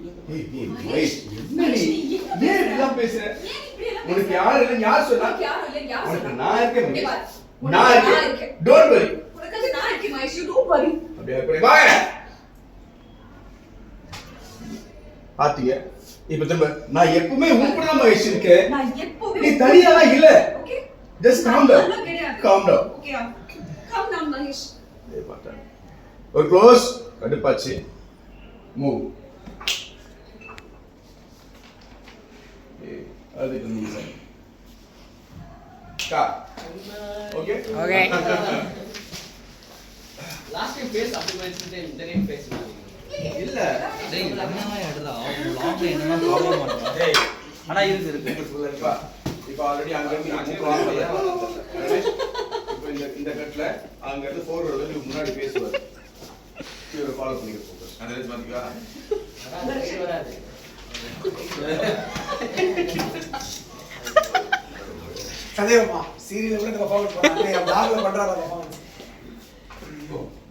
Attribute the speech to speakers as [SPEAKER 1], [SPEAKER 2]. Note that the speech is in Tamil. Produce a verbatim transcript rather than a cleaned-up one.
[SPEAKER 1] ஏய் ஏய் வெயிட் என்ன நீ ஏன் இதெல்லாம் பேசுற உனக்கு யார் இல்ல யார் சொன்னா
[SPEAKER 2] யார் இல்ல யார் சொன்னா
[SPEAKER 1] நான் இருக்கேன் நான் இருக்கேன் டோன்ட் வரி
[SPEAKER 2] உனக்கு நான் இருக்கேன் மகேஷ் டோன்ட் வரி
[SPEAKER 1] அப்படியே அப்படியே வாங்க பாத்தியா இப்ப திரும்ப நான் எப்பவுமே உன் கூட தான் மகேஷ் இருக்கேன்
[SPEAKER 2] நான் எப்பவுமே
[SPEAKER 1] நீ தனியால இல்ல
[SPEAKER 2] okay
[SPEAKER 1] just calm down calm down
[SPEAKER 2] okay calm down Mahesh
[SPEAKER 1] ஏ பாத்தா ஒரு க்ளோஸ் கடுப்பாச்சு மூவ் ஏ அதுக்கு நீ சார் கா okay
[SPEAKER 3] okay
[SPEAKER 4] last time face அப்படி வச்சிட்டு இந்த டைம் ஃபேஸ்
[SPEAKER 1] இல்ல
[SPEAKER 5] டேய் என்னமா எடுடா லாங்ல என்னமா ப்ராப்ளம் பண்றா டேய் ஆனா இது இருக்கு
[SPEAKER 1] இப்ப இப்ப ஆல்ரெடி அங்க இருந்து அங்க போறாங்க இப்போ இந்த இந்த கட்ல அங்க இருந்து ஃபோர்வர்ட் வந்து முன்னாடி பேசுவார் இவரை ஃபாலோ பண்ணிக்க போகுது அந்த ரேஞ்ச் பாத்தீங்களா
[SPEAKER 4] அதான் வராது
[SPEAKER 6] சதேவமா சீரியல்ல கூட பர்ஃபார்மன்ஸ் பண்ணாங்க டாக்ல பண்றாங்க பர்ஃபார்மன்ஸ்